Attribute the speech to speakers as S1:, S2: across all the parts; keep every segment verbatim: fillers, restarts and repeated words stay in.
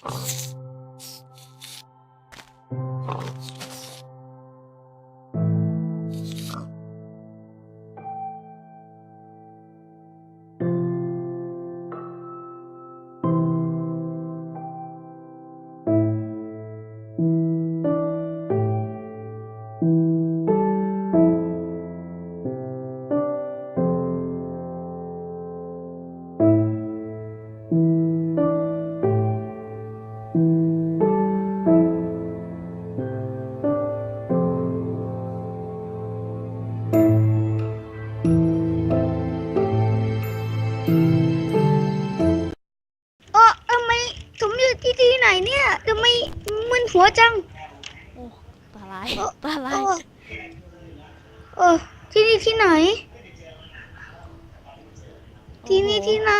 S1: เออทำไมผมอยู่ที่ที่ไหนเนี่ยทำไมมึนหัวจัง
S2: โอ้ตาลาย
S1: เออ
S2: ตา
S1: เอ
S2: ลาย
S1: อเออที่นี่ที่ไหน ที่นี่ที่ไหน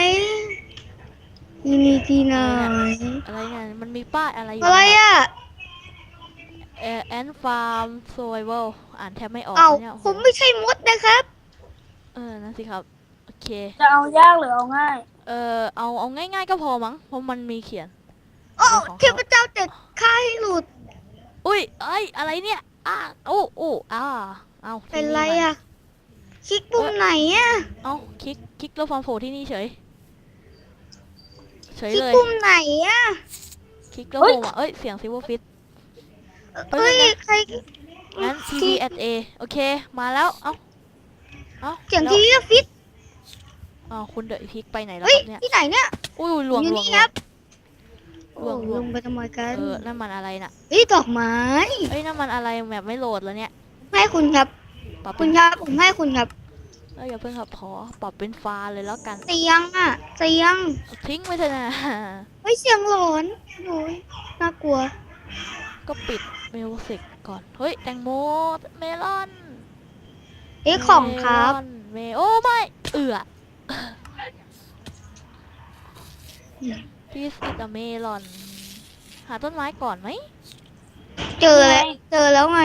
S1: ที่นี่ที่ไหน
S2: อะไรเนี่ยมันมีป้ายอะไรอยู่
S1: อะไร
S2: เนี่ย
S1: อ่ะ
S2: เอแอนฟาร์มโซเวลอ่านแทบไม่ออก
S1: เอ้า
S2: เนี่ยโอ้
S1: ผ
S2: โห
S1: มไม่ใช่มดนะครับ
S2: เออนั่นสิครับโอเค
S3: จะเอายากหรือเอาง่าย
S2: เออเอาเอาง่ายๆก็พอมั้งเพราะมันมีเขียน
S1: โอ้
S2: เรื่องของ
S1: เท
S2: เขา
S1: พเจ้าจะฆ่าให้หลุด
S2: อุ้ยเอ้ยอะไรเนี่ยอ้าโอ้โอ้อ้าเอา
S1: เป็น
S2: ที่
S1: ไร
S2: มัน
S1: อ่ะ คลิกปุ่มไหนอ่ะ
S2: เอาคลิกคลิกแล้วฟอร์มโผล่ที่นี่เฉยเฉย
S1: คลิก
S2: เลย
S1: ปุ่มไหนอ่ะ
S2: คลิกแล้ว
S3: เฮ้
S2: โผ
S3: ย
S2: ล่มาเอ้ยเสียงซิวฟิต
S1: เอ้ย ใคร
S2: งั้น ที วี แอท เอ โอเคมาแล้วเอ้าเอ้า
S1: เสียง
S2: แล้ว
S1: ทีวีฟิต
S2: อ้าวคุณเดอะพิกไปไหนแล้ว
S1: เฮ้
S2: ค
S1: ย
S2: รับเนี่ย
S1: ที่ไหนเนี่ย
S2: อุ้ยหลวง
S1: อยู่
S2: หลวง
S1: นี่
S2: หล
S1: คว รั
S2: ง
S1: บ
S2: หลวงหล
S1: ล
S2: วง
S1: งไปทำไมกัน
S2: เออนั่นมันอะไรน่ะ
S1: เฮ้ย ดอกไม้
S2: เอ้ยนั่นมันอะไรแบบไม่โหลดแล้วเนี่ย
S1: ให้คุณครับ
S2: ปรับ
S1: คุ
S2: เป็
S1: ณ
S2: น
S1: ครับ ผมให้คุณครับ
S2: เอ้ยอย่าเพิ่งครับขอปรับเป็นฟ้าเลยแล้วกัน
S1: เตียงอ่ะเตียง
S2: ทิ้งไปเถอะนะ
S1: เฮ้ย เสียงหลอนโอ้ยน่ากลัว
S2: ก็ปิดมิวสิกก่อนเฮ้ยแตงโมเมลอน
S1: เอ้ยของครับ
S2: เมลอนเมโอ้ไม่เอือพีซอิตเมลอนหาต้นไม้ก่อนไหม
S1: เจอแล้ว เจอแล้วไง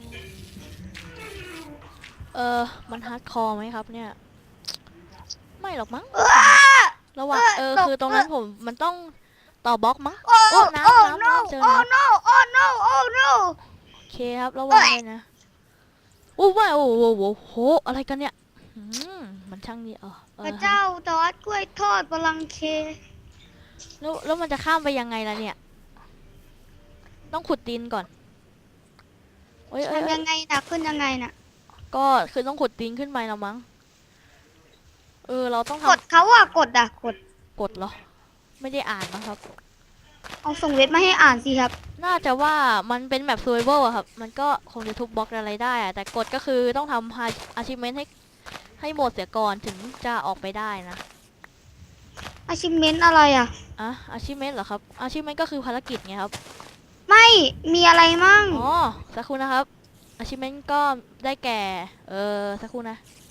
S2: เออมันฮาร์ดคอร์ไหมครับเนี่ยไม่หรอกมั้ง
S1: อ้า
S2: ระหว่างเออ
S1: ตก
S2: คือตรงนั้นผมมันต้องต่อบล็อกมั้ง
S1: โอ้
S2: โอ้
S1: โอ้
S2: น้ำน้ำ
S1: no
S2: น้ำเจอ
S1: โอ้
S2: น้ำ
S1: no โอ้ no โอ้ no
S2: โอเคครับระวังเลยนะโอ้ว่าโอ้โหโอ้โหอะไรกันเนี่ยอืมมันช่างนี่เออเอ
S1: พระ
S2: อ
S1: เจ้าตอดกล้วยทอดพลังเค
S2: แล้วแล้วมันจะข้ามไปยังไงล่ะเนี่ยต้องขุดดินก่อนโอ้ยเอ้ย
S1: ทำ
S2: เอ้
S1: ยั
S2: ย
S1: งไงนะขึ้นยังไงนะ
S2: ก็คือต้องขุดดินขึ้นไปแล้วมั้งเออเราต้องท
S1: กดเขาอ่ะ กดอ่ะ กด
S2: ำกดเหรอไม่ได้อ่านนะครับ
S1: เอาส่งเว็บมาให้อ่านสิครับ
S2: น่าจะว่ามันเป็นแบบ survival อะครับ มันก็คงจะทุบบล็อกอะไรได้อะแต่กฎก็คือต้องทำ achievement ให้ให้หมดเสียก่อนถึงจะออกไปได้นะ
S1: achievement อะไรอ่ะ
S2: อ่ะ achievement เหรอครับ achievement ก็คือภารกิจไงครับ
S1: ไม่ มีอะไรมั่ง
S2: อ๋อ สักครู่นะครับ achievement ก็ได้แก่ เออ สักครู่นะ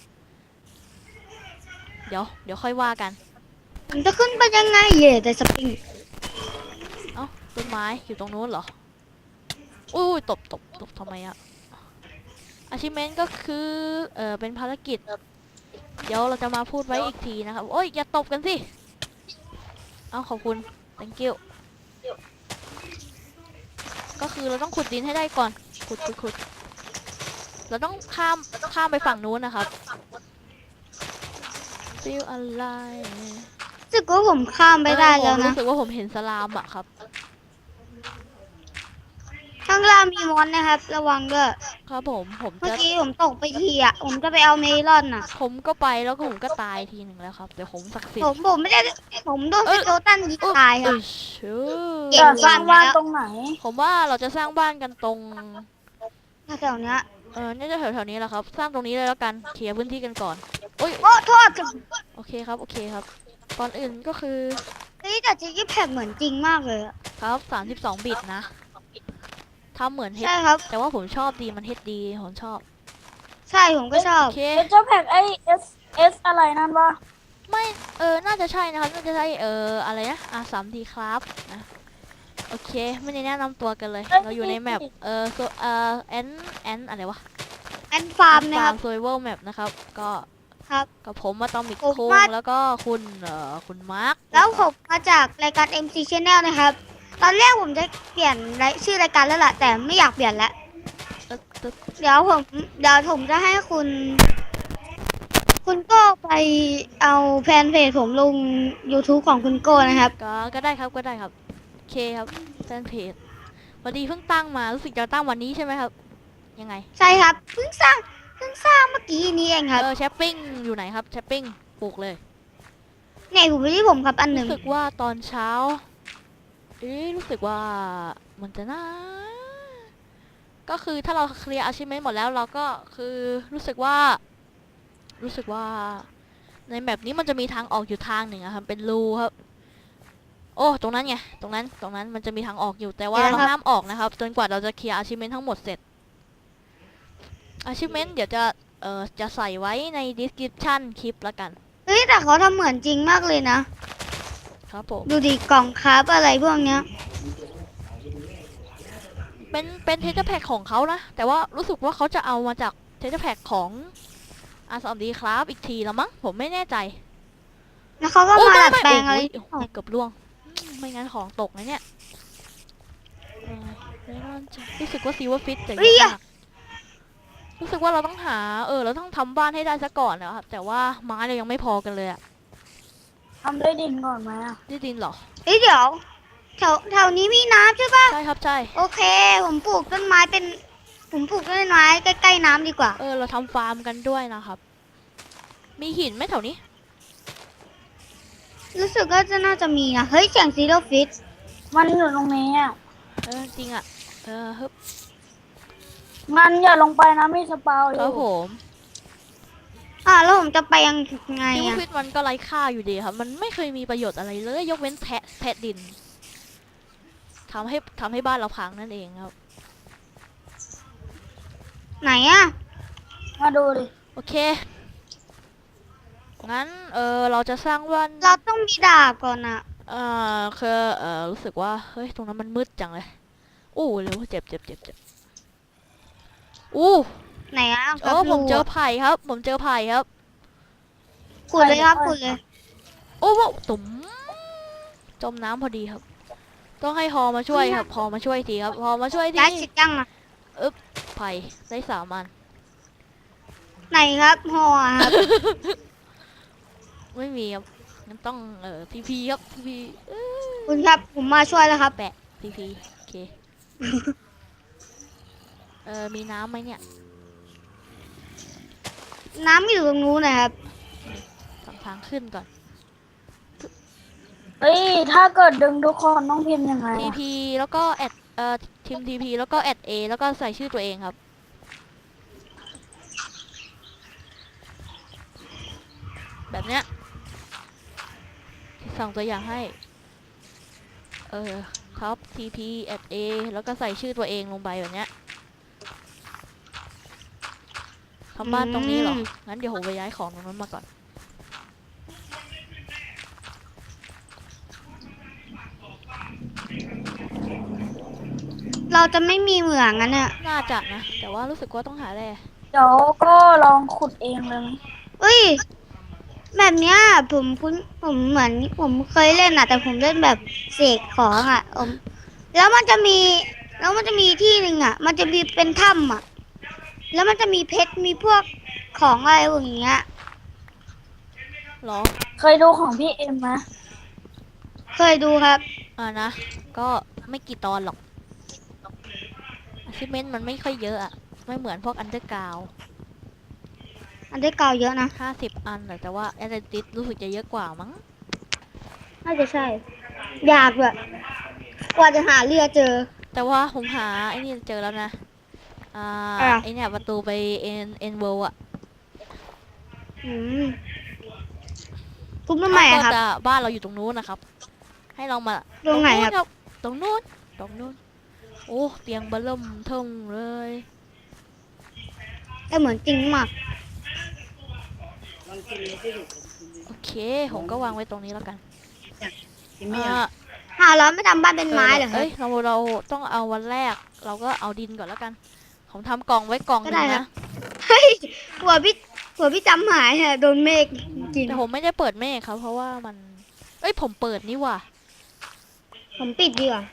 S2: เดี๋ยว เดี๋ยวค่อยว่ากัน
S1: ผมจะขึ้นไปยังไงเย่แต่สปริง
S2: เอ้า ต้นไม้อยู่ตรงนู้นเหรอ อุ้ยตบตบตบทำไมอะ achievement ก็คือ เออเป็นภารกิจ เดี๋ยวเราจะมาพูดไว้อีกทีนะครับ โอ้ย อย่าตบกันสิ เอาขอบคุณ thank you ก็คือเราต้องขุดดินให้ได้ก่อน ขุดขุดขุดเราต้องข้ามข้ามไปฝั่งนู้นนะครับฟิลอะไร
S1: รู้สึกว่าผมข้ามไปได้แล้ว
S2: ผม
S1: นะ
S2: รู้สึกว่าผมเห็นสลามอะครับ
S1: ข้างล่างมีมอนนะครับ ระวังด้วย
S2: ครับผมผม
S1: เมื่อ
S2: จะ
S1: กี้ผมตกไปทีอ่ะ ผมจะไปเอาเมลอนอ่ะ
S2: ผมก็ไปแล้วก็ผมก็ตายทีหนึ่งแล้วครับเดี๋ยวผมศักดิ์สิท
S1: ผ
S2: ธิ์
S1: มผมไม่ได้ ผมโดน
S2: เอ้
S1: ส
S2: ย
S1: เกลตันยิงตายค
S2: เอ
S1: รับ
S2: อชื่อ
S1: เก่
S3: จะ
S1: ง
S3: สร้างบ้านตรงไหน
S2: ผมว่าเราจะสร้างบ้านกันตรง
S1: แถวๆเนี้ย
S2: เออน่าจะแถวๆนี้แหละครับ สร้างตรงนี้เลยแล้วกันเคลียร์พื้นที่กันก่อนโอ้ย
S1: โอ้โทษ
S2: โอเคครับโอเคครับก่อนอื่นก็คือ
S1: เฮ้ยแต่จิกกี้แพคเหมือนจริงมากเลยอะ
S2: ครับสามสิบสองบิตนะทำเหมือนเฮด
S1: ใช่ครับ
S2: แต่ว่าผมชอบดีมันเฮดดีผมชอบ
S1: ใช่ผมก็ชอบ
S2: โอเค
S3: เอเจ้าแพ็กไอเอสเอสอะไรนั่นวะ
S2: ไม่เออน่าจะใช่นะครับน่าจะใช่เอออะไรนะอ่ะสามดีครับนะโอเคไม่ได้แนะนำตัวกันเลย เราอยู่ในแมปเออโซเออแอนแอนอะไรวะ
S1: แอนฟาร์มนะครับ
S2: โซเวอร์แมปนะครับก็
S1: ครับ
S2: กับผมมาตอมิก
S1: ผม
S2: คุง
S1: มา
S2: แล้วก็คุณเอ่อคุณมาร์ค
S1: แล้วผมมาจากรายการ เอ็ม ซี Channel นะครับ ตอนแรกผมจะเปลี่ยนรายชื่อรายการแล้วล่ะ แต่ไม่อยากเปลี่ยนแล้ว
S2: ตึ๊ดตึ๊ด
S1: เดี๋ยวผมเดี๋ยวผมจะให้คุณ คุณโก้ไปเอาแฟนเพจผมลง YouTube ของคุณโก้นะครับ
S2: ก็ก็ได้ครับก็ได้ครับโอเคครับแฟนเพจพอดีเพิ่งตั้งมารู้สึกจะตั้งวันนี้ใช่ไหมครับ ยังไง
S1: ใช่ครับเพิ่งสร้างเพิ่งสร้างเมื่อกี้นี้เองครับ
S2: เออแชปปิ้งอยู่ไหนครับแชปปิ้งปลูกเลย
S1: เนี่ยอยู่ที่ผมครับอันหนึ่ง
S2: รู้สึกว่าตอนเช้า เอ๊ะรู้สึกว่ามันจะน่าก็คือถ้าเราเคลียร์ achievement หมดแล้วเราก็คือรู้สึกว่า รู้สึกว่า ในแบบนี้มันจะมีทางออกอยู่ทางหนึ่งอะครับเป็นรูครับ โอ้ตรงนั้นไงตรงนั้นตรงนั้นมันจะมีทางออกอยู่แต่ว่าเราห้ามออกนะครับจนกว่าเราจะเคลียร์ achievement ทั้งหมดเสร็จ achievement เดี๋ยวจะเอ่อจะใส่ไว้ใน description คลิปละกัน
S1: เฮ้ยแต่เขาทำเหมือนจริงมากเลยนะ
S2: ครับผม
S1: ดูดิกล่องคราฟอะไรพวกเนี้ย
S2: เป็นเป็นเทเจอร์แพ็กของเขานะ แต่ว่ารู้สึกว่าเขาจะเอามาจากเทเจอร์แพ็กของอาสอมดีครับอีกทีแล้วมั้งผมไม่แน่ใจ
S1: แล้วเขาก็
S2: โอ้
S1: มา
S2: ไม่
S1: ดัด
S2: ไม่
S1: แปลง
S2: โอ้
S1: อะไร
S2: ยโอ้ยเกือบล่วงอืมไม่งั้นของตกนะเนี่ยเออไม่น่าจะรู้สึกว่าซีว่าฟิตแต่เยอะมากรู้สึกว่าเราต้องหาเออเราต้องทำบ้านให้ได้ซะก่อนนะครับแต่ว่าไม้เรายังไม่พอกันเลยอะ
S3: ทำด้วยดินก่อนไหมอ่ะ
S2: ได้ดินเหรอ
S1: เฮ้ยเดี๋ยวแถวแถวนี้มีน้ำใช่ปะ
S2: ใช่ครับใช่
S1: โอเค ผมปลูกต้นไม้เป็น ผมปลูกต้นไม้ใกล้ๆน้ำดีกว่า
S2: เออเราทำฟาร์มกันด้วยนะครับ มีหินไหมแถวนี้
S1: รู้สึกว่าจะน่าจะมีนะ เฮ้ยเสียงซีโร่ฟิต
S3: มันอยู่ตรงนี้อ่ะ
S2: เออจริงอะเออฮึบ
S3: งั้นอย่าลงไปนะมีสปาวอ
S2: ครับ
S3: ยู่
S2: ผม
S1: อ่าแล้วผมจะไปยังไง
S2: ซีว่า
S1: อะ
S2: ฟิตมันก็ไร้ค่าอยู่ดีครับ มันไม่เคยมีประโยชน์อะไรเลย ยกเว้นแทะแทะดินทำให้ทำให้บ้านเราพังนั่นเองครับ
S1: ไหนอะ
S3: มาดูดิ
S2: โอเค งั้น เออเราจะสร้างบ้าน
S1: เราต้องมีดาบก่อนอะ
S2: เออคือเออรู้สึกว่า เฮ้ย ตรงนั้นมันมืดจังเลยอู้เร็วเจ็บเจ็บเจ็บเจ็บอู้
S1: ไหนอะค
S2: โอ้
S1: รับ
S2: ผมเจอ
S1: รูะ
S2: ไผ่ครับ ผมเจอไผ่ครับ
S1: ขุดเลยครับขุดเลย
S2: โอ้โหตุ๋มจมน้ำพอดีครับ ต้องให้ฮอมาช่วยครับฮอมาช่วยทีครับฮอมาช่วยที
S1: ได้สิจังอะ
S2: ไผ่ได้สามอัน
S1: ไหนครับห่อครับ
S2: ไม่มีครับงั้นต้องเอ่อพีพีครับพีพี
S1: คุณครับผมมาช่วยแล้วครับ
S2: แปะพีพีโอเค เออมีน้ำไหมเนี่ย
S1: น้ำอยู่ตรงนู้นนะครับ
S2: ทางทางขึ้นก่อน
S3: เฮ้ยถ้าเกิดดึงทุกคนต้องพิมพ์ยังไง
S2: ที
S3: อะ
S2: พีแล้วก็แอดเอ่อทีมทีพีแล้วก็แอดเอแล้วก็ใส่ชื่อตัวเองครับ แบบเนี้ยส่งตัวอย่างให้ เออท็อปทีพีแอดเอแล้วก็ใส่ชื่อตัวเองลงไปแบบเนี้ยทำบ้านตรงนี้เหรอ งั้นเดี๋ยวผมไปย้ายของตรงนั้นมาก่อน
S1: เราจะไม่มีเหมืองกันเนี่ย
S2: น่าจะนะ แต่ว่ารู้สึกว่าต้องหาแร่
S3: เดี๋ยวก็ลองขุดเองเลยไหม
S1: เอ้ยแบบเนี้ยผมคุ้นผมเหมือนผมเคยเล่นอะแต่ผมเล่นแบบเสกของอะผมแล้วมันจะมีแล้วมันจะมีที่หนึ่งอะมันจะมีเป็นถ้ำอะแล้วมันจะมีเพชรมีพวกของอะไรอย่างเงี้ย
S2: เหรอ
S3: เคยดูของพี่เอ็มไหม
S1: เคยดูครับ
S2: อ่านะ ก็ไม่กี่ตอนหรอก achievement มันไม่ค่อยเยอะอะ ไม่เหมือนพวก underground
S1: อันได้เก่าเยอะนะ
S2: ห้าสิบอันแต่แต่ว่า Atlantis รู้สึกจะเยอะกว่ามั้ง
S1: น่าจะใช่ อยากแบบกว่าจะหาเรือเจอ
S2: แต่ว่าผมหาไอ้นี่เจอแล้วนะ อ่า
S1: อ่ะ
S2: ไอเนี่ยประตูไป N N World อะ
S1: อืมทุบทำไมอะครับ
S2: ก็จะบ้านเราอยู่ตรงนู้นนะครับ ให้เรามา
S1: ตรงไหนครับ
S2: ตรงนู้นตรงนู้น โอ้เตียงเบลเริ่มเทิมเลย
S1: แต่เหมือนจริงมาก
S2: โอเค ผมก็วางไว้ตรงนี้แล้วกันอ่า
S1: หาแล้วไม่ทำบ้านเป็นไม้เหรอครั
S2: เอ้
S1: บ
S2: ยเราเราต้องเอาวันแรก เราก็เอาดินก่อนแล้วกัน ผมทำกล่องไว้กล่องห
S1: ก็
S2: นึ่
S1: ได้
S2: ง
S1: ครับ
S2: นะ
S1: เฮ้ยหัวพี่หัวพี่จำหายฮะโดนเมฆกิน
S2: แต่ผมไม่ได้เปิดเมฆครับ เพราะว่ามัน เอ้ยผมเปิดนี่ว่ะ
S1: ผมปิดดีกว่า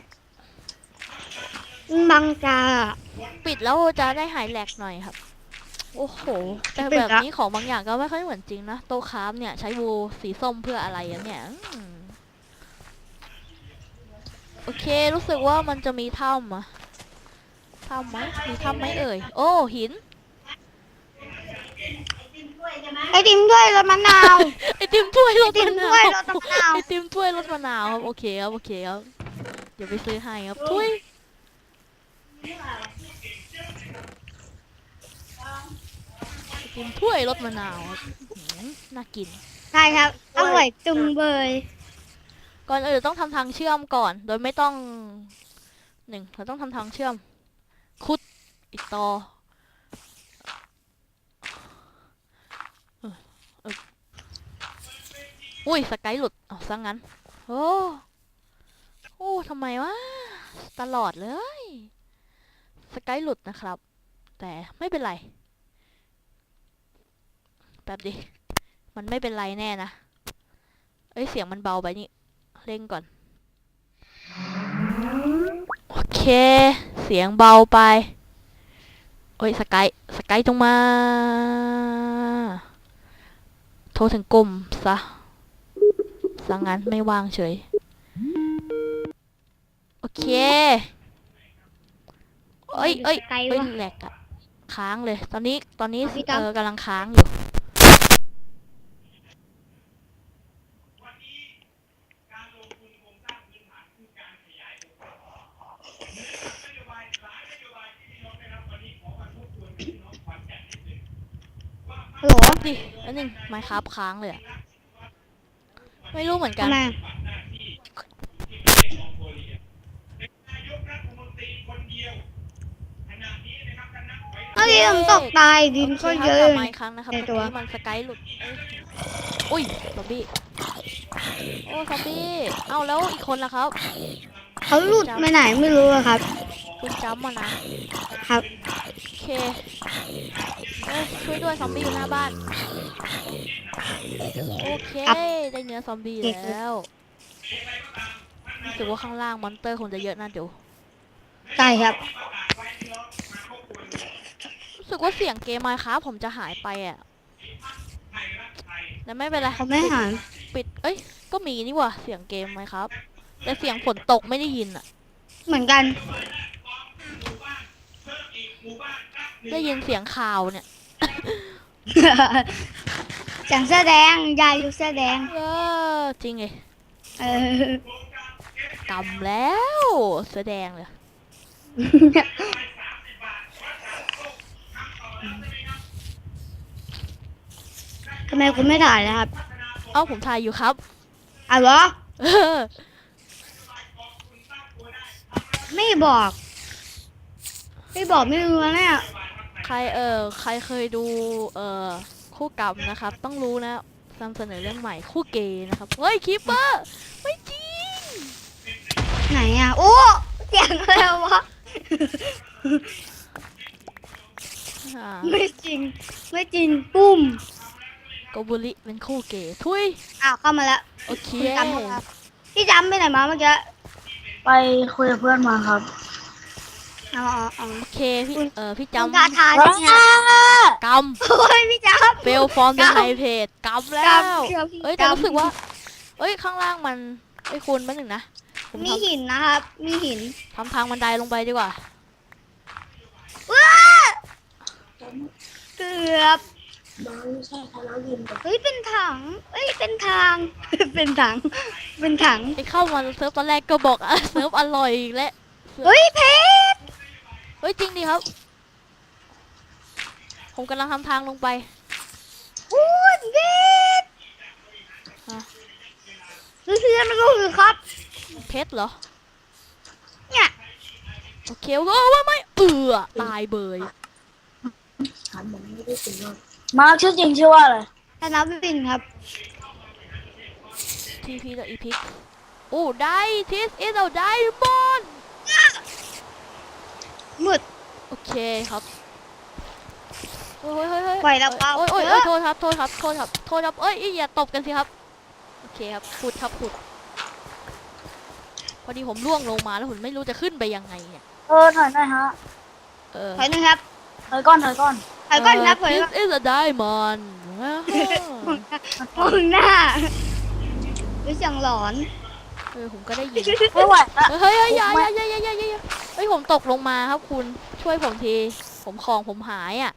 S1: มันบังตาอะ
S2: ปิดแล้วจะได้หายแหลกหน่อยครับ โอ้โห แต่
S1: ปิด
S2: แบบ
S1: ละ
S2: นี้ของบางอย่างก็ไม่ค่อยเหมือนจริงนะ โต๊ะคราฟเนี่ยใช้วูสีส้มเพื่ออะไรอะเนี่ยอืมโอเค รู้สึกว่ามันจะมีถ้ำอะถ้ำไหมมีถ้ำไหมเอ่ย โอ้หิน
S1: ไอติมด้วยรสมะนาว
S2: ไอติมถ้วยรส
S1: ไอติม
S2: มะนา
S1: ถ้วย
S2: ว
S1: รสมะนาว
S2: ไอติมถ้วยรสมะนาวครับโอเคครับโอเคครับเดี๋ยวไปซื้อให้ครับถ้วยไอติมถ้วยรสมะนาวครับหืมน่ากิน
S1: ใช่ครับอร่อยจุงเบย
S2: ก่อนอื่นต้องทำทางเชื่อมก่อน โดยไม่ต้องหนึ่งเราต้องทำทางเชื่อม คุดอีกต่อเออเอออุ้ยสกายหลุดเอาซะงั้นโอ้โอ้ทำไมวะตลอดเลยสกายหลุดนะครับ แต่ไม่เป็นไรแป๊บดิมันไม่เป็นไรแน่นะเอ้ยเสียงมันเบาไปนี่เร่งก่อนโอเค เสียงเบาไปเอ้ยสกายสกายตรงมา โทรถึงกลุ่มซะสังงั้นไม่วางเฉยโอเคเอ้ยเอ้ย
S1: ไกล
S2: เอ้ยว
S1: ะ
S2: แหลกอะค้างเลย ตอนนี้ตอนนี้
S1: พี่
S2: เอ
S1: ต๊อบ
S2: อกำลังค้างอยู่
S1: ฮัลโหล
S2: ดิแล้วนึงไมค์ครับค้างเลยอะไม่รู้เหมือนกัน
S1: ทำไมเมื่อกี้ผมตกตายดิน
S2: โอเค
S1: ก็
S2: ค
S1: เย
S2: รับ
S1: อะ
S2: กลับมาอีกครั้งนะครับ
S1: ใน
S2: เมื่อ
S1: ตัว
S2: กี้มันสกายหลุดเอ้ยอุ้ยซอมบี้โอ้ซอมบี้เอาแล้วอีกคนล่ะครับ
S1: เขาหลุดไปไหนไม่รู้อะครับ
S2: คุณจำมานะครับ โอเคเอ้ยช่วยด้วยซอมบี้อยู่หน้าบ้านโอเคได้เนื้อซอมบี้แล้วรู้สึกว่าข้างล่างมอนเตอร์คงจะเยอะน่าดู
S1: ใช่ครับ
S2: รู้สึกว่าเสียงเกมมาครับผมจะหายไปอ่ะแต่ไม่เป็นไร
S1: เขาไม่หาย
S2: ปิดเอ้ยก็มีนี่หว่าเสียงเกมไหมครับ แต่เสียงฝนตกไม่ได้ยินอ่ะ
S1: เหมือนกัน
S2: ได้ยินเสียงข่าวเนี่ย
S1: จังเสื้อแดงยายอยู่เสื้อแดง
S2: เออจริงไง
S1: เออก
S2: ำแล้วแสดงเลย
S1: ทำไมคุณไม่ถ่ายนะครับ
S2: เอ้าผมถ่ายอยู่ครับ
S1: อ่ะเหรอ
S2: เออ
S1: ไม่บอก ไม่บอกไม่รู้นะเนี่ย
S2: ใครเออใครเคยดูเออคู่กรรมนะครับ ต้องรู้นะนำเสนอเรื่องใหม่คู่เกย์นะครับเฮ้ยคิปเปอร์ไม่จริง
S1: ไหนอ่ะ โอ้เสียงอะไรวะ
S2: อ่า
S1: ไม่จริง ไม่จริง ปุ้ม
S2: โกบุริเป็นคู่เกย์ทุย
S1: อ้าวเข้ามาแล้ว
S2: โอเค
S1: คุณจำครับพี่จำไปไหนมาเมื่อกี้
S3: ไปคุยกับเพื่อนมาครับ
S1: อ๋ออ๋ออ๋อ
S2: โอเคพี่เออพี่
S1: คุณ
S2: จำ
S1: ทาทาใช่ไหม
S2: ก
S1: โอ้ยพี่จำ
S2: ำเฟลฟอร์มเดอะไฮเพจกำแล้ว
S1: กำเชื่อพี่
S2: เอ้ยแต่
S1: กำ
S2: รู้สึกว่าเอ้ยข้างล่างมันไอ้ยคุณแป๊บหนึงนะผม
S1: มี
S2: ท
S1: หินนะครับ มีหิน
S2: ำทำทางบันไดลงไปดีกว่า
S1: ว้าเกือบเฮ้ยเป็นถังเฮ้ยเป็นทาง เป็นถัง เป็นถัง
S2: ไอ้เข้ามาเซิร์ฟตอนแรกก็บอกอ่ะ เซิร์ฟอร่อยอีกแล้ว
S1: เฮ้ยเพชร
S2: เฮ้ยจริงดิครับ ผมกำลังทำทางลงไป
S1: อู้ยเพชร
S2: อ่ะ
S1: เพื่อนมันก็คือครับ
S2: เพชรเหรอ
S1: เนี่ย
S2: โอเคโอ้ว่าไม่เอือตายเบย
S3: มาร์คชื่อจริงชื่อว่าอะไร
S1: ธนวินครับ
S2: ทีพีกับอีพิกโอ้ได้ทิสอิสเอาได้บอล
S1: มืด
S2: โอเคครับเฮ้ยเฮ้ยเฮ้ย
S1: ปล่อยแล้วเปล่า
S2: โอ้ยโอ้ย
S1: เอ
S2: โอ้
S1: อ
S2: ยโทษครับโทษครับโทษครับโทษครับเอ้ยอย่าตบกันสิครับโอเคครับขุดครับขุดพอดีผมล่วงลงมาแล้วผมไม่รู้จะขึ้นไปยังไงเนี่ย
S3: เออถอยหน่อยฮะ
S2: เออ
S1: ถอยหนึงครับ
S3: ถอยก่อนถอยก่อน
S1: ถอยก่อนครับถอย
S2: เอ่อ
S1: ก่อน
S2: This is a diamond ว้าว
S1: มองหน้าดูเสียงหลอน
S2: เออผมก็ได้ยิน
S3: ไม่ไหวละ
S2: เฮ้ยเฮ้ยอย่าอย่าอย่าอย่าอย่าอย่าเฮ้ยผมตกลงมาครับคุณช่วยผมทีผมของผมหายอ่ะ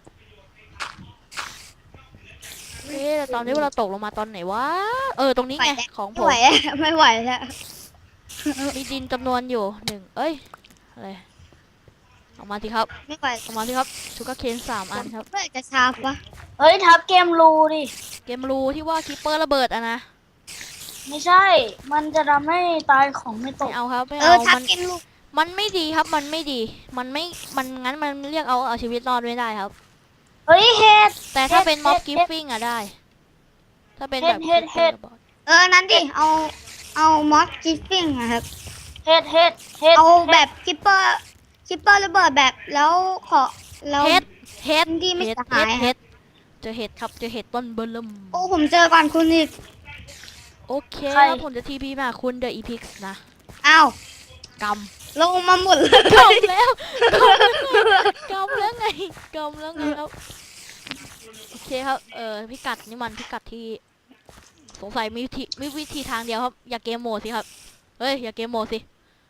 S2: เอ๊ะแต่ตอนนี้เราตกลงมาตอนไหนวะเออตรงนี้ไงของผ
S1: ไม่
S2: ม
S1: ไหวแล้วไม่ไหวแล้ว
S2: มีดินจำนวนอยู่หนึ่งเอ้ยอะไรออกมาสิครับ
S1: ไม่ไหว
S2: ออกมาสิครับชูการ์เคนสามอันครับ
S1: เมื่อไหร่จะชาร์ปวะ
S3: เฮ้ยทับเกมรูดิ
S2: เกมรูที่ว่าคิปเปอร์ระเบิดอะนะ
S3: ไม่ใช่ มันจะทำให้ตายของไม่ต
S2: ไม่
S3: ก
S2: เอาครับไม่
S1: เอ
S2: เอา
S1: อทับ
S2: มัน
S1: กินลูก
S2: มันไม่ดีครับมันไม่ดี มันไม่มันงั้นมันเรียกเอาเอาชีวิตรอดไม่ได้ครับ
S3: เฮ้ยเฮ็ด
S2: แต่ถ้าเป็นม็อบ
S3: เฮ็
S2: กิ
S3: ด
S2: ฟฟิ้งอะได้ ถ้าเป็นแบบ
S3: เฮ็ดเฮ็ด
S2: Creeper ระบิด
S1: เออนั้นดิเอาเอามอสกิฟฟิ้งนะครับ
S3: เฮ็ดเฮ็ดเฮ็ด
S1: เอาแบบคิปเปอร์คิปเปอร์ระเบิดแบบแล้วขอแล้ว
S2: เฮ็ดเฮ็ด
S1: ที่ไม่
S2: เฮ็ด
S1: สหาย
S2: เฮ็ดเจอเห็ดครับเจอเห็ดต้นเบอร์เริ่ม
S1: โอ้ผมเจอก่อนคุณอีก
S2: โอเคครับผมจะทีพีมาคุณเดอะอีพิกส์นะ
S1: อ้าว
S2: ก
S1: ลงมาหมดเลย
S2: ำกำแล้วกำแล้วไงกำแล้วไงครับโอเคครับเออพิกัดนี่มันพิกัดที่สงสัยมีวิธีมีวิธีทางเดียวครับอย่าเกมโหมดสิครับเฮ้ยอย่าเกมโหมดสิ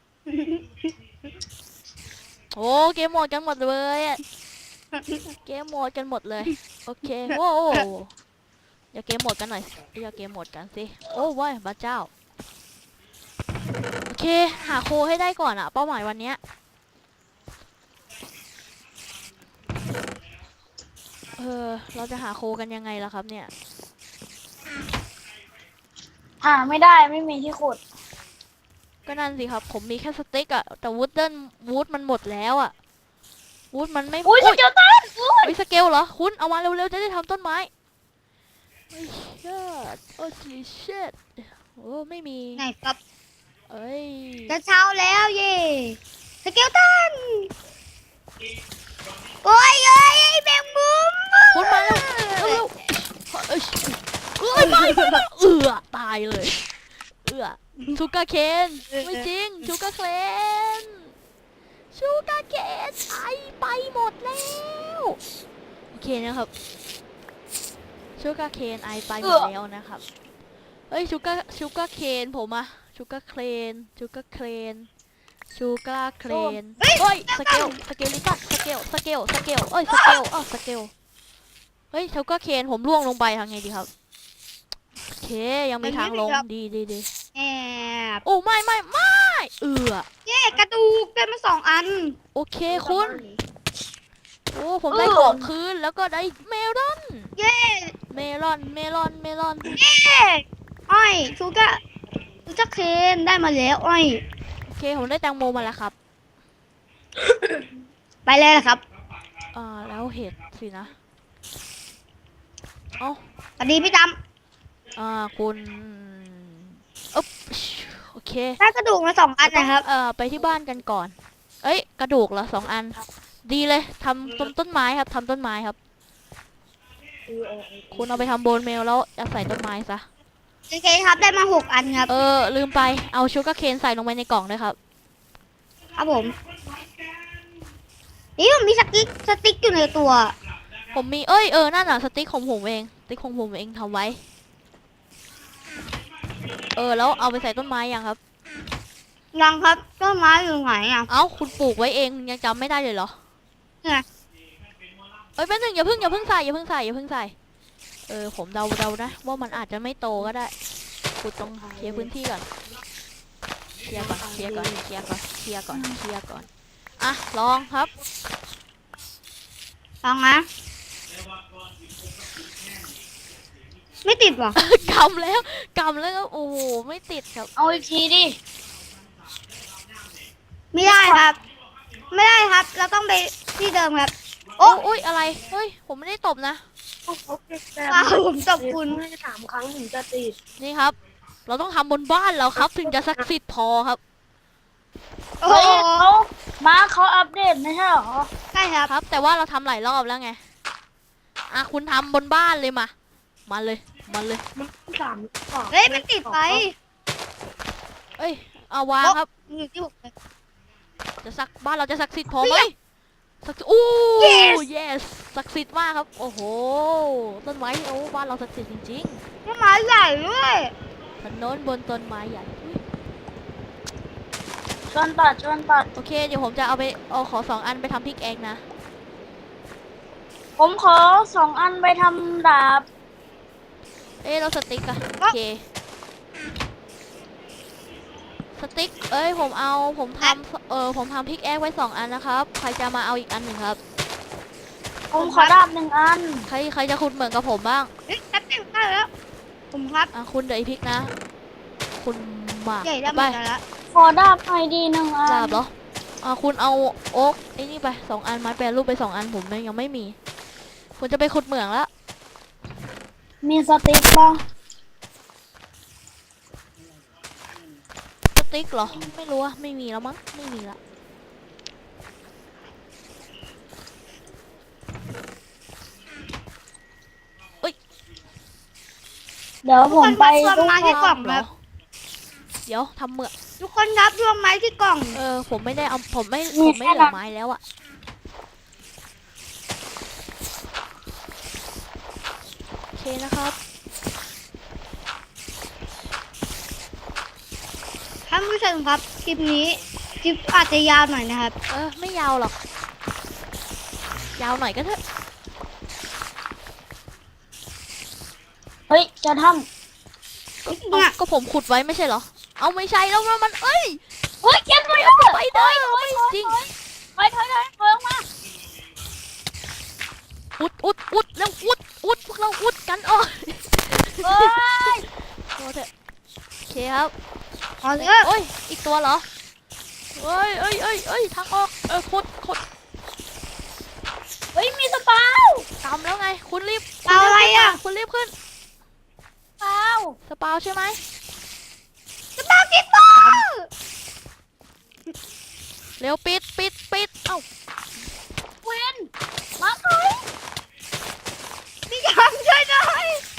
S2: โอ้เกมโหมดกันหมดเลยอะเกมโหมดกันหมดเลยโอเคโว้อย่าเกมโหมดกันหน่อยอย่าเกมโหมดกันสิโอ้ว้ายพระเจ้าโอเคหาโคให้ได้ก่อนอะเป้าหมายวันเนี้ยเออเราจะหาโคกันยังไงล่ะครับเนี่ย
S3: หาไม่ได้ไม่มีที่ขุด
S2: ก็นั่นสิครับผมมีแค่สติ๊กอะแต่วูดเดิลวูดมันหมดแล้วอะวูดมันไม่
S3: อุ้ยส
S2: อุ๊ย
S3: เกลตันอุ้ย
S2: ไอ้สเกลเหรอคุณเอามาเร็วๆจะได้ทำต้นไม้ไอ้เชิดโอ้ชิเชิดโอ้ไม่มี
S1: ไหนครับ
S2: เอ้ย
S1: จะเช้าแล้วเย่สเกลตันโอ้ยเอ้ยแมงมุม
S2: คุณมาแล้วเร็วๆเอ้ยเอ้ยไม่ไม่ไม่เอือตายเลยเอือชูการ์เคนไม่จริงชูการ์เคนชูการ์เคนไอไปหมดแล้วโอเคนะครับชูการ์เคนไอไปหมดแล้วนะครับเอ้ยชูการ์ชูการ์เคนผมอะชูการ์เคนชูการ์เคนชูการ์เคนเฮ้ยสเกลสเกลลิตันสเกลสเกลสเกลเอ้ยสเกลอ้าวสเกลเฮ้ยชูการ์เคนผมล่วงลงไปทางไงดีครับโอเคยังมีทางลงดีดีดี
S1: แอบ
S2: โอ้ไม่ไม่ไม่เอือ
S1: เย่กระดูกได้มาสองอัน
S2: โอเคคุณโอ้ผมได้ของคืนแล้วก็ได้เมลอน
S1: เย่
S2: เมลอนเมลอนเมลอน
S1: เย่อ้อยชูกะชูกะเคนได้มาแล้วอ้อย
S2: โอเคผมได้แตงโมมาแล้วครับ
S1: ไปเลยนะครับ
S2: อ่าแล้วเห็ดสินะเอ้า
S1: สวัสดีพี่จ
S2: อ่าคุณอ๊บโอเค
S1: ำได้กระดูกมาสองอันนะครับ
S2: เอ่อไปที่บ้านกันก่อน เอ้ยกระดูกเหรอสองอัน ดีเลยทำต้นต้นไม้ครับทำต้นไม้ครับ คุณเอาไปทำโบนเมลแล้วเอาใส่ต้นไม้ซะ
S1: โอเคครับได้มาหกอันครับ
S2: เออลืมไปเอาชูการ์เคนใส่ลงไปในกล่องด้วยครับ
S1: ครับผมนี่ผมมีสติ๊กสติ๊กอยู่ในตัว
S2: ผมมีเอ้ยเออนั่นอ่ะสติ๊กของผมเองสติ๊กของผมเองทำไว้ เออแล้วเอาไปใส่ต้นไม้ยังครับ
S1: ยังครับต้นไม้อยู่ไหนอ่ะ
S2: เอ้าคุณปลูกไว้เองยังจำไม่ได้เลยเหรอ
S1: เนี่ย
S2: เอ้ยแป๊บนึงอย่าเพิ่งอย่าเพิ่งใส่อย่าเพิ่งใส่อย่าเพิ่งใส่เออผมเดาเดานะว่ามันอาจจะไม่โตก็ได้ขุดตรงเคลียร์พื้นที่ก่อนเคลียร์ก่อนเคลียร์ก่อนเคลียร์ก่อนเคลียร์ก่อนเคลียร์ก่อนอ่ะลองครับ
S1: ลองนะไม่ติดว่ะ
S2: กำแล้วกำแล้วก็โอ้โหไม่ติดครับ
S3: เอาอีกทีดิ
S1: ไม่ได้ครับ ไม่ได้ครับ เราต้องไปที่เดิมครับ
S2: โอ้
S1: โอ้
S2: อุ้ยอะไรเฮ้ยผมไม่ได้ตบนะ
S1: ว้าวผมตบคุณ
S3: ไม่สามครั้งถึงจะติด
S2: นี่ครับ เราต้องทำบนบ้านเราครับ ถึงจะศักดิ์สิทธิ์พอครับ
S1: โอ้
S3: เฮ้ย
S1: โห
S3: เขามาเขาอัปเดตไม่ใช่เหรอ
S1: ใช่ครับ
S2: ครับ แต่ว่าเราทำหลายรอบแล้วไงอ่ะคุณทำบนบ้านเลยมา มาเลย มาเลย
S3: มันสาม
S1: เฮ้ยมันติดไฟ
S2: เอ้ย เอาวางครับ
S1: อยู่ที่ผมเลย
S2: จะสักบ้านเราจะศักดิ์สิทธิ์พอไหมศักดิ์สิทธิ์อู้
S1: Yes
S2: yes ศักดิ์สิทธิ์มากครับ โอ้โห ต้นไม้โอ้บ้านเราศักดิ์สิทธิ์จริง
S1: ต้นไม้ใหญ่ด้วย
S2: ๆถนนบนต้นไม้ใหญ่อุ๊ย
S3: ชวนตัดชวนตัด
S2: โอเค เดี๋ยวผมจะเอาไปเอาขอสองอันไปทำพริกแองนะ
S3: ผมขอสองอันไปทำดาบ
S2: เอ้ยเราสติ๊กอะโอเค สติ๊ก เอ้ยผมเอาผมทำเออผมทำพริกแองไว้สองอันนะครับ ใครจะมาเอาอีกอันหนึ่งครับ
S3: ผมขอดาบหนึ่งอัน
S2: ใครใครจะขุดเหมือนกับผมบ้าง
S1: เฮ้ยแป๊บนึงได้แล้ว ผมครับ
S2: อ่ะคุณเดี๋ยวไอพริกนะ คุณมา
S1: ใหญ่ได้
S2: เอา
S1: หม
S2: ไป
S1: ดแล้ว
S3: ขอดาบไอดีหนึ่งอั
S2: ดาน บเหรอ อ่ะคุณเอาโอ๊กไอ้นี่ไปสองอันไม้แปรรูปไปสองอันผมยังไม่มี คุณจะไปขุดเหมืองแล้ว
S3: มีสติ๊กป่ะ
S2: สติ๊กเหรอ ไม่รู้อะไม่มีแล้วมั้ง ไม่มีละ
S3: เดี๋ยวผมไป
S1: ทุกคน
S3: ดู
S1: มาที่กล่อง
S2: เหร
S1: ค
S2: อ
S1: รับ
S2: เดี๋ยวทำเหมือง
S1: ทุกคนรับรวมไม้ที่กล่อง
S2: เออผมไม่ได้เอาผมไม่ผมไม่เหลือไม้แล้วอะโอเคนะครับ
S1: ท่านผู้ชมครับ คลิปนี้ คลิปอาจจะยาวหน่อยนะครับ
S2: เออไม่ยาวหรอก ยาวหน่อยก็เถอะ
S3: เฮ้ย จะท
S2: เอ้าก็ผมขุดไว้ไม่ใช่เหรอ เอาไม่ใช่แล้วมันมันเอ้ย
S3: ำเฮ้ยเก็บไว้
S2: ไปเด้อไม่จริง
S3: ถอยถอยถอยถอยออกมา
S2: อุดอุดอุดแล้วอุดอุดพวกเราอุดกันอ๋อ
S3: เฮ้ย
S2: โอ้เถอะโอเคครับ
S1: ขอเถอะ
S2: โอ้ยอีกตัวเหรอเอ้ยเอ้ยเอ้ยเอ้ยทางออกเออขุดขุด
S3: เฮ้ย มีสปาว
S2: ตามแล้วไง คุณรีบ
S1: เอาอะไรอ่ะ
S2: คุณรีบขึ้น
S3: สปาว
S2: สปาวใช่ไหม
S1: จะมากี่ตัว
S2: เร็วปิดปิดปิดเอ้า
S3: เวนมาถอย
S1: พี่ยามช่วยหน่อย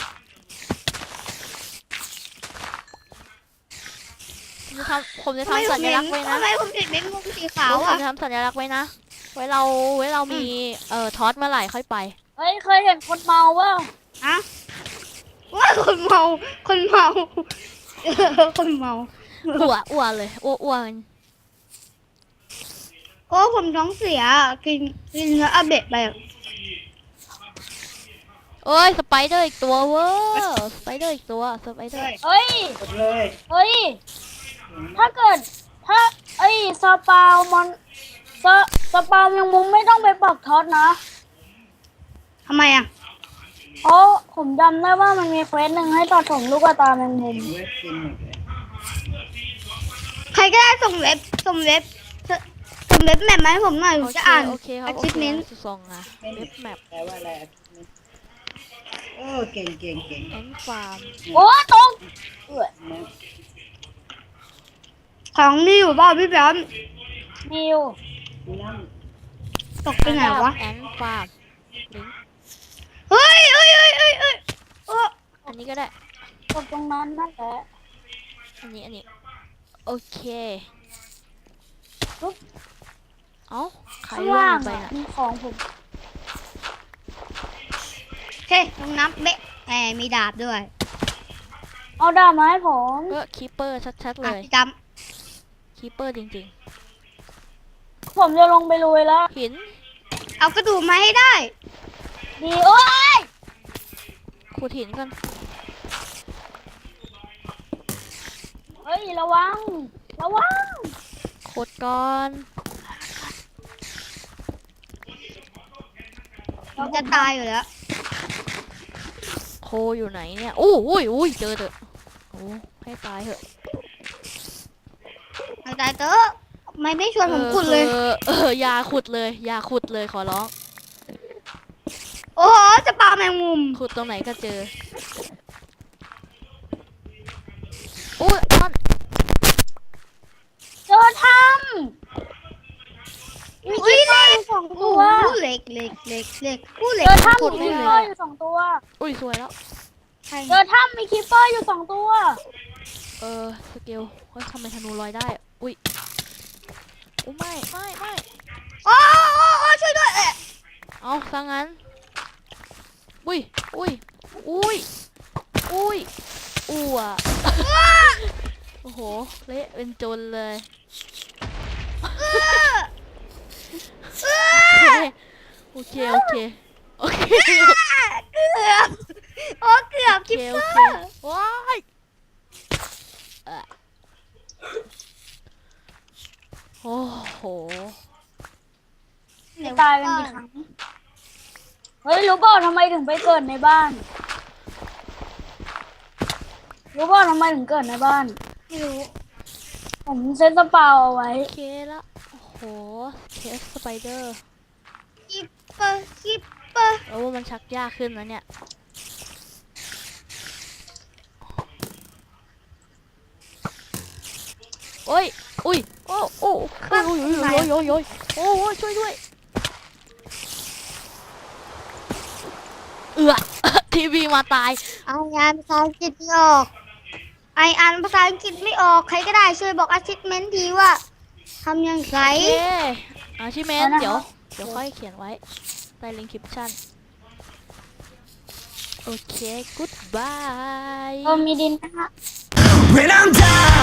S2: ผมจะทำผมจะทำสัญลักษณ์ไว้นะ
S1: ทำไมผมเห็นเป็นมุมสีขา
S2: ผ
S1: ว
S2: ม
S1: อ่ะ
S2: จะทำสัญลักษณ์ไว้นะ ไว้เราไว้เรามีเอ่อทอสเมื่อไหร่ค่อยไป
S3: เฮ้ย เคยเห็นคนเมาเปล่า
S1: ฮะว่าคนเมา คนเมาเออคนเมา
S2: อ้วอ้วเลยอ้วอ้วมัน
S1: โอ้ผมท้องเสียกินกินเนื้ออาเบะไปอะ
S2: เอ้ยสไปเดอร์อีกตัวเว้ยสไปเดอร์อีกตัวสไปเดอร์
S3: เฮ้ย เฮ้ย ถ้าเกิด ถ้าไอ้สปาวมันสสปาวยังมุมไม่ต้องไปปักท็อตนะ
S1: ทำไมอ่ะ
S3: เพราะผมจำได้ว่ามันมีเควสหนึ่งให้ตัดผมลูกตาแมงมุม
S1: ใครก็ได้ส่งเว็บส่งเว็บส่งเว็บแมปมาให้ผมหน่อยผม
S2: โอ
S1: จะ
S2: เค
S1: อ่าน
S2: โอเคครับ
S1: อา
S2: โอ
S1: ชิ
S2: เค
S1: เมนต์
S2: ส่งอ่ะเว็บแมป
S4: แปลว่าอะไรอ่ะโอ้เก่งเก่งเก่ง
S2: แอนฟาร์ม
S3: โอ้ตกเอ้ย
S4: นะ
S1: ของนี่อยู่เปล่าพี่แบม
S3: มิว
S4: น้
S1: ตกไปไหนวะ
S2: แอนฟาร์มลิงก์
S1: เฮ้ยเฮ้ยเฮ้ยเฮ้ยเฮ้ยโอ้
S2: อันนี้ก็ได้
S3: ตกตรงนั้นนั่นแหละ
S2: อันนี้อันนี้โอเคเอ้าใคร
S3: ข้าง
S2: ล่ว
S3: ล่าง ง
S2: ไป
S3: อะ
S2: น่ะ
S3: มีของผม
S1: โอเคลงน้ำเบะแหมมีดาบด้วย
S3: เอาดาบมาให้ผม
S2: ก็คีเปอร์ชัดๆเล
S1: อ่ะ
S2: ย
S1: พี่จ
S2: คีเปอร์จริง
S3: ผมจะลงไปลุยแล้ว
S2: ๆหิน
S1: ำเอากระดูกมาให้ได้
S3: ดีโอ้ย
S2: ขุดหินก่อน
S3: เฮ้ย ระวัง ระวัง
S2: ขุดก่อน
S1: ผมจะตายอยู่แล้ว
S2: โคอยู่ไหนเนี่ยอู้อุ้ยอุ้ยเจอเถอะโอ้ให้ตายเถอะ
S1: ไม่ตายเตอะไม่ไม่ชวนผมขุดเลย
S2: เออเอออย่าขุดเลยอย่าขุดเลยขอร้อง
S1: โอ้โหจะปลาแมงมุม
S2: ขุดตรงไหนก็เจออุ้ยอ้อน
S3: เจอถ้
S1: มีที่เล่นไฟ
S3: สอง
S1: โอ้
S3: ตัว
S1: โหเหล็กเหล็กเหล็กเหล็กผู้เหล็ก
S3: เจอถ้ำ
S2: ขุ
S3: มี
S2: ดไม่
S3: คิป
S2: เลย
S3: เปอร์อยู่สองตัว
S2: อุ้ยสวยแล้ว
S1: ใช่
S3: เจอถ้ำมีคิปเปอร์อยู่สองตัว
S2: เออสเกลเฮ้ยทำไมธนูลอยได้อะอุ้ยอุ้ยไม่ไม่ไม่
S1: โอ้โอ้โอ้ช่วยด้วยเอ๊ะ
S2: เอาซะงั้นอุ้ยอุ้ยอุ้ยอุ้ยอ้วโอ้โหเละเป็นจนเลยโอเคโอเคโอเค
S1: เกือบโอ้เกือบ
S2: โอเค
S1: คิป
S2: โอ
S1: เป
S2: เค
S1: อร์
S2: ว้ายเอ่อโอ้โห
S3: จะตายกันกี่ครั้ง เฮ้ยรู้เปล่าทำไมถึงไปเกิดในบ้าน รู้เปล่าทำไมถึงเกิดในบ้าน
S1: ไม่รู้
S3: ผมเซตสปาวเอาไว้
S2: โอเคละโอ้โหเคสสไปเดอร์
S1: คิปเปอร์คิปเปอร์
S2: แล้วว่ามันชักยากขึ้นแล้วเนี่ยโอ้ยอุ้ยโอ้โอ้โอ้ยโอ้ยโอ้ยโอ้ยโอ้ยโอ้ยโอ้ยช่วยด้วยเอือ ทีวีมาตาย
S1: เอางานภาษาอังกฤษไม่ออกไออ่านภาษาอังกฤษไม่ออกใครก็ได้ช่วยบอก achievement ทีว่าทำยังไง
S2: โอเคอาชิเมน
S3: เอานะคะ
S2: เดี๋ยว เดี๋ยวค่อยเขียนไว้ใต้ลิงก์คริปชั่น โอเค goodbye
S3: เออมีดินนะฮะ
S5: When I'm down